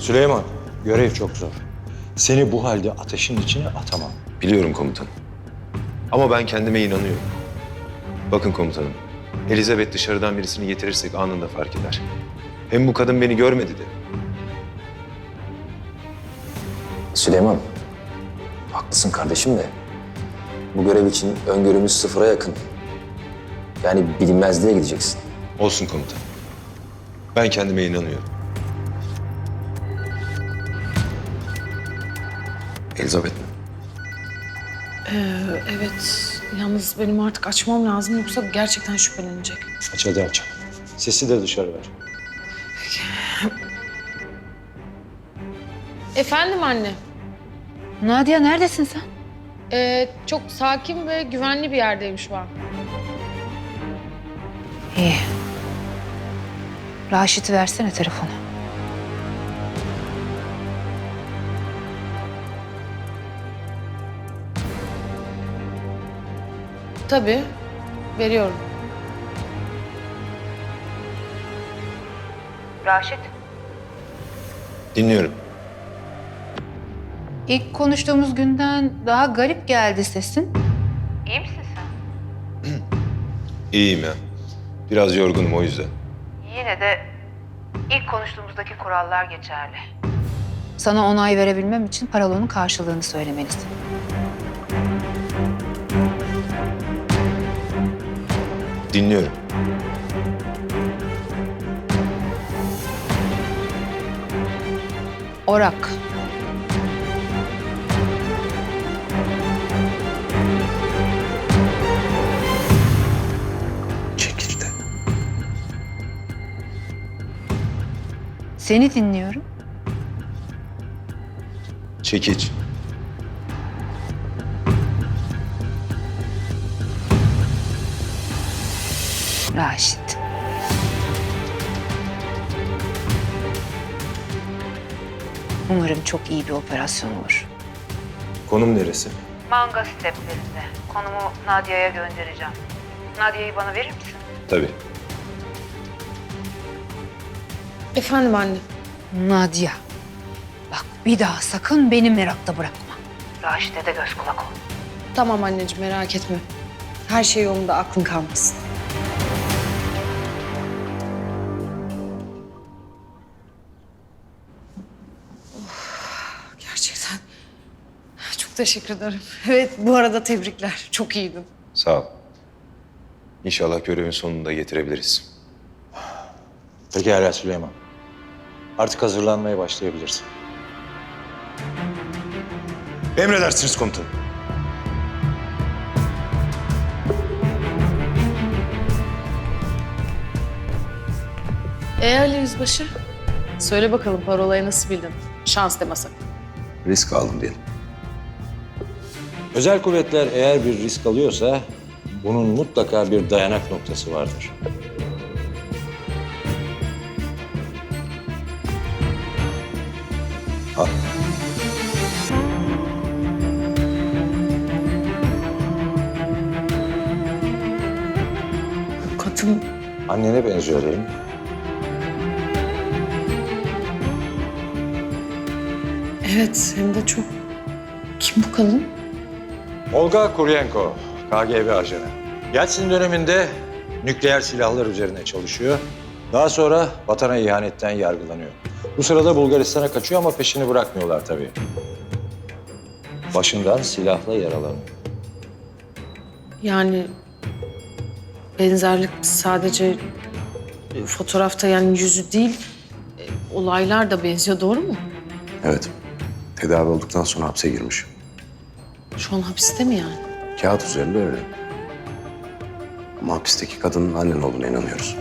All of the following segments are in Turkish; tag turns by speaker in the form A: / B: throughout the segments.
A: Süleyman, görev çok zor. Seni bu halde ateşin içine atamam.
B: Biliyorum komutanım. Ama ben kendime inanıyorum. Bakın komutanım, Elizabeth dışarıdan birisini getirirsek anında fark eder. Hem bu kadın beni görmedi de.
C: Süleyman, haklısın kardeşim de bu görev için öngörümüz sıfıra yakın. Yani bilinmezliğe gideceksin.
B: Olsun komutanım. Ben kendime inanıyorum. Elizabeth mi?
D: Evet. Yalnız benim artık açmam lazım yoksa gerçekten şüphelenecek.
A: Aç hadi aç. Sesi de dışarı ver.
D: Efendim anne.
E: Nadia neredesin sen?
D: Çok sakin ve güvenli bir yerdeyim şu an.
E: İyi. Raşit'i versene telefonu.
D: Tabii. Veriyorum.
E: Raşit.
B: Dinliyorum.
E: İlk konuştuğumuz günden daha garip geldi sesin. İyi misin sen?
B: İyiyim ya. Biraz yorgunum o yüzden.
E: Yine de ilk konuştuğumuzdaki kurallar geçerli. Sana onay verebilmem için paralonun karşılığını söylemelisin.
B: Dinliyorum.
E: Orak.
B: Çekirde.
E: Seni dinliyorum.
B: Çekiç.
E: Raşit. Umarım çok iyi bir operasyon olur.
B: Konum neresi?
E: Manga steplerinde. Konumu Nadia'ya göndereceğim. Nadia'yı bana verir misin?
B: Tabii.
D: Efendim anne.
E: Nadia. Bak bir daha sakın beni merakta bırakma. Raşit'e de göz kulak ol.
D: Tamam anneciğim merak etme. Her şey yolunda aklın kalmasın. Gerçekten çok teşekkür ederim. Evet bu arada tebrikler. Çok iyiydin.
B: Sağ ol. İnşallah görevin sonunda getirebiliriz.
A: Pekala Süleyman. Artık hazırlanmaya başlayabilirsin.
B: Emredersiniz komutanım.
D: Ali Yüzbaşı. Söyle bakalım parolayı nasıl bildin? Şans deme sakın.
B: Risk aldım diyelim.
A: Özel kuvvetler eğer bir risk alıyorsa bunun mutlaka bir dayanak noktası vardır. Al.
D: Kadın
A: Annene benziyor değil mi?
D: evet hem de çok. Kim bu kadın?
A: Olga Kuryenko, KGB ajanı. Yeltsin döneminde nükleer silahlar üzerine çalışıyor. Daha sonra vatana ihanetten yargılanıyor. Bu sırada Bulgaristan'a kaçıyor ama peşini bırakmıyorlar tabii. Başından silahla yaralanıyor.
D: Yani benzerlik sadece fotoğrafta yani yüzü değil, olaylar da benziyor doğru mu?
F: Evet. Tedavi olduktan sonra hapse girmiş.
D: Şu an hapiste mi yani?
F: Kağıt üzerinde öyle. Ama hapisteki kadının annen olduğuna inanıyoruz.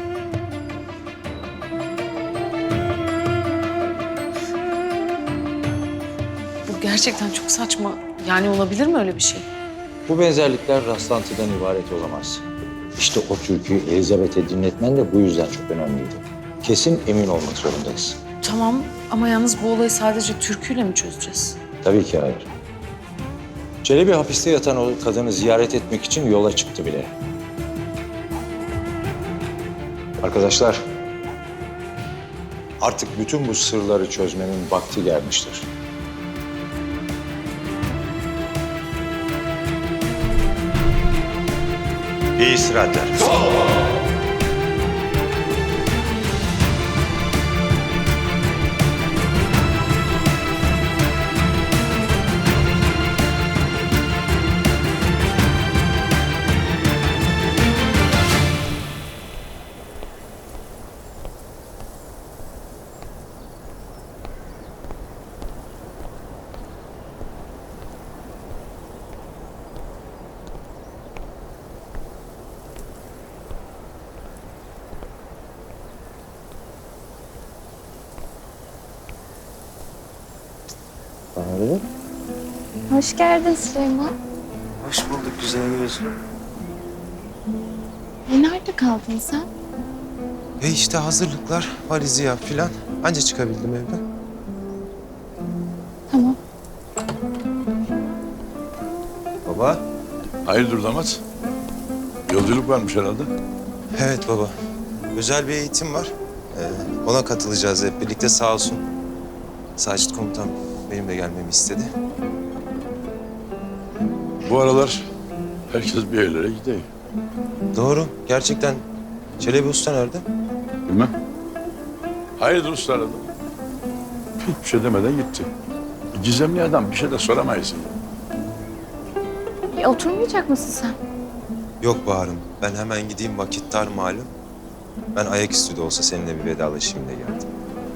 D: Bu gerçekten çok saçma. Yani olabilir mi öyle bir şey?
A: Bu benzerlikler rastlantıdan ibaret olamaz. İşte o türküyü Elizabeth'e dinletmen de bu yüzden çok önemliydi. Kesin emin olmak zorundayız.
D: Tamam ama yalnız bu olayı sadece türküyle mi çözeceğiz?
A: Tabii ki hayır. Çelebi hapiste yatan o kadını ziyaret etmek için yola çıktı bile. Arkadaşlar, Artık bütün bu sırları çözmenin vakti gelmiştir. İyi istirahatler.
G: Hoş geldin Süleyman.
B: Hoş bulduk güzel gözlüm.
G: Nerede kaldın sen?
B: İşte hazırlıklar, valizi yap filan. Anca çıkabildim evden.
G: Tamam.
B: Baba.
H: Hayırdır damat? Yolculuk varmış herhalde.
B: Evet baba. Özel bir eğitim var. Ona katılacağız hep birlikte sağ olsun. Sacit komutan benim de gelmemi istedi.
H: Bu aralar herkes bir yerlere gidiyor.
B: Doğru. Gerçekten. Çelebi Usta nerede?
H: Bilmem. Hayırdır usta aradı. Hiçbir şey demeden gitti. Gizemli adam, bir şey de soramayız.
G: Oturmayacak mısın sen?
B: Yok Bahar'ım. Ben hemen gideyim, vakit dar malum. Ben ayaküstü de olsa seninle bir vedalaşayım diye geldim.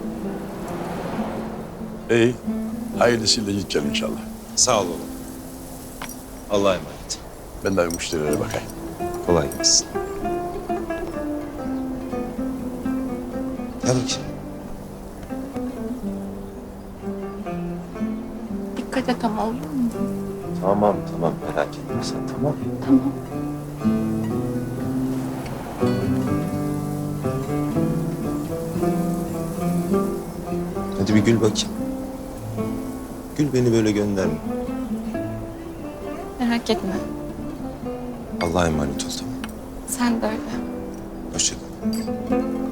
H: İyi. Hayırlısıyla git gel inşallah.
B: Sağ ol oğlum. Allah'a emanet.
H: Ben de bir müşterilere bakayım.
B: Kolay gelsin. Gel bakayım.
G: Dikkat et ama olur mu?
B: Tamam merak etme sen tamam.
G: Tamam.
B: Hadi bir gül bakayım. Gül beni böyle gönderme.
G: Merak etme.
B: Allah'a emanet ol tamam.
G: Sen de öyle.
B: Hoşça kal.